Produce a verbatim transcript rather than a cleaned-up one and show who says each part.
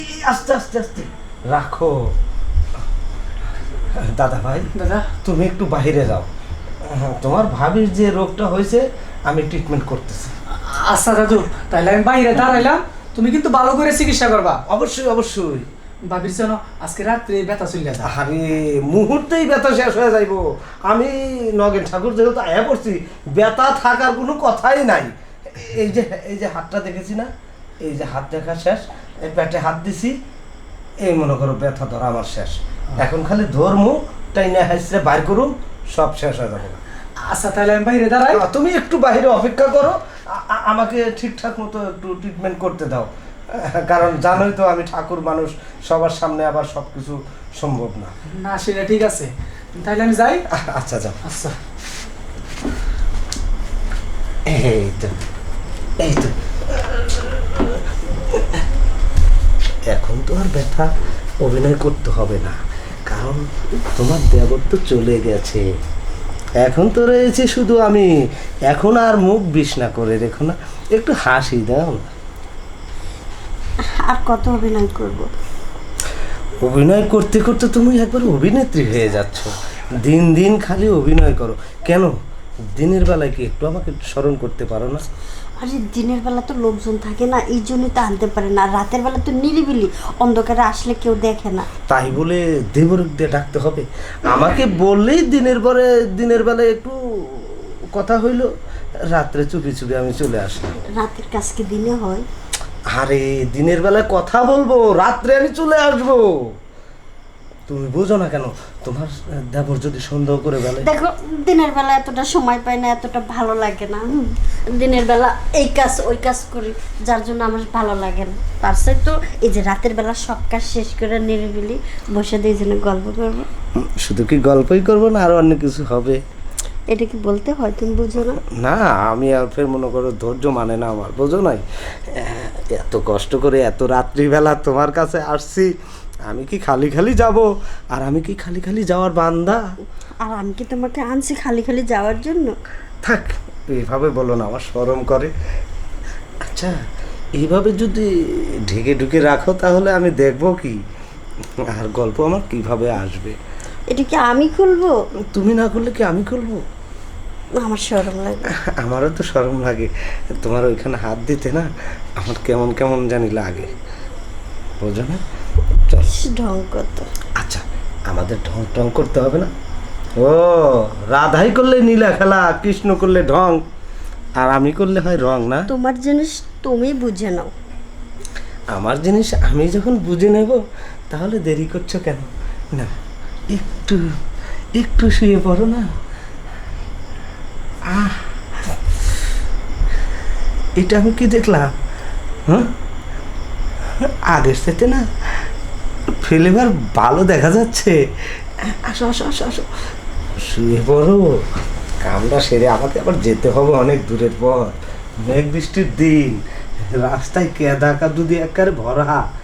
Speaker 1: আস্তে আস্তে আস্তে রাখো। দাদা ভাই,
Speaker 2: দাদা
Speaker 1: তুমি একটু বাইরে যাও। তোমার ভাবির যে রোগটা হয়েছে আমি ট্রিটমেন্ট করতেছি।
Speaker 2: আচ্ছা দাদু, তাইলে আমি বাইরে দাঁড়াইলাম, তুমি কিন্তু ভালো করে চিকিৎসা করবা।
Speaker 1: অবশ্যই অবশ্যই।
Speaker 2: ভাবির জন্য আজকে রাত্রে ব্যথা চলে যায়।
Speaker 1: আরে মুহূর্তেই ব্যথা শেষ হয়ে যাইব। আমি নগেন ঠাকুর যেহেতু আয়া পড়ছি, ব্যথা থাকার কোনো কথাই নাই। এই যে এই যে হাতটা দেখেছি না, এই যে হাত দেখা শেষ, এই পেটে হাত দিছি, এই মনে করো ব্যথা ধরা আমার শেষ। এখন খালি ধর্ম তাই না হাসরে বাইর করুন, সব শেষ হয়ে যাবে।
Speaker 2: আচ্ছা তাহলে আমি বাইরে দাঁড়াই।
Speaker 1: তুমি একটু বাইরে অপেক্ষা করো, আ- আ- আমাকে ঠিকঠাক মতো একটু ট্রিটমেন্ট করতে দাও। কারণ জানোই তো আমি ঠাকুর মানুষ, সবার সামনে আবার সব কিছু সম্ভব না।
Speaker 2: না সেটা ঠিক আছে, তাহলে আমি যাই।
Speaker 1: আচ্ছা যাও।
Speaker 2: আচ্ছা
Speaker 1: এই তো এই তো এখন তো আর ব্যথা অভিনয় করতে হবে না, কারণ তোমার দেবর তো চলে গেছে। এখন তো রয়েছে শুধু আমি। এখন আর মুখ বিষ না করে দেখো না, একটু হাসি দাও।
Speaker 3: আর কত অভিনয় করব?
Speaker 1: অভিনয় করতে করতে তুমি একবার অভিনেত্রী হয়ে যাচ্ছ। দিন দিন খালি অভিনয় করো কেন? দিনের বেলায় কি একটু আমাকে স্মরণ করতে পারো না?
Speaker 3: আরে দিনের বেলা তো লোকজন থাকে না, এই জন্যই তো আনতে পারে না। রাতের বেলা তো নিরিবিলি, অন্ধকারে আসলে কেউ দেখে না।
Speaker 1: তাই বলে দেবরক দিয়ে ডাকতে হবে? আমাকে বললেই দিনের পরে দিনের বেলায় একটু কথা হইলো, রাত্রে চুপি চুপি আমি চলে আসলাম।
Speaker 3: রাতের কাজ কি দিনে হয়?
Speaker 1: আরে দিনের বেলায় কথা বলবো, রাত্রে আমি চলে আসবো। তুমি বোঝো না কেন? তোমার দেবর যদি সন্দেহ করে বলে।
Speaker 3: দেখো দিনের বেলা এতটা সময় পাই না, এতটা ভালো লাগে না। হুম, দিনের বেলা এই কাজ ওই কাজ করি, যার জন্য আমার ভালো লাগে না। তার সাথে তো এই যে রাতের বেলা সব কাজ শেষ করে নিরিবিলি বসে দিয়ে জন্য গল্প করবো।
Speaker 1: শুধু কি গল্পই করবো না, আরো অন্য কিছু হবে?
Speaker 3: এটা কি বলতে হয়? তুমি বুঝো না?
Speaker 1: না আমি আর ফের মনে করো ধৈর্য মানে না আমার, বোঝো নাই? এত কষ্ট করে এত রাত্রিবেলা তোমার কাছে আসছি, আমি কি খালি খালি যাব? আর আমি কি খালি খালি যাওয়ার বান্দা?
Speaker 3: আর আমি কি তোমাকে আনছি খালি খালি যাওয়ার জন্য?
Speaker 1: থাক, এইভাবে বলো না, আমার শরম করে। আচ্ছা এইভাবে যদি ঢেকে ঢুকে রাখো তাহলে আমি দেখবো কি, আর গল্প আমার কিভাবে আসবে?
Speaker 3: এটা কি আমি খুলবো?
Speaker 1: তুমি না করলে কি আমি খুলবো?
Speaker 3: আমার শরম লাগে।
Speaker 1: আমারও তো শরম লাগে, তোমার ওইখানে হাত দিতে না আমার কেমন কেমন জানি লাগে, বোঝো না? চল।
Speaker 3: ঢং কত।
Speaker 1: আচ্ছা আমাদের ঢং টং করতে হবে না। ও রাধাই করলে নীলা খেলা, কৃষ্ণ করলে ঢং, আর আমি করলে হয় রং না?
Speaker 3: তোমার জিনিস তুমি বুঝে নাও।
Speaker 1: আমার জিনিস আমি যখন বুঝে নেব তাহলে দেরি করছো কেন? না একটু একটু শুয়ে পড়ো না। আহ এটা আমি কি দেখলাম? হ্যাঁ আগের সাথে না ফ্লেভার ভালো দেখা যাচ্ছে। আসো আসো আসো আসো, শুয়ে পড়ো। কামটা সেরে আমাকে আবার যেতে হবে অনেক দূরের পর, মেঘ বৃষ্টির দিন, রাস্তায় কেদা কাদু দিয়ে একেবারে ভরা।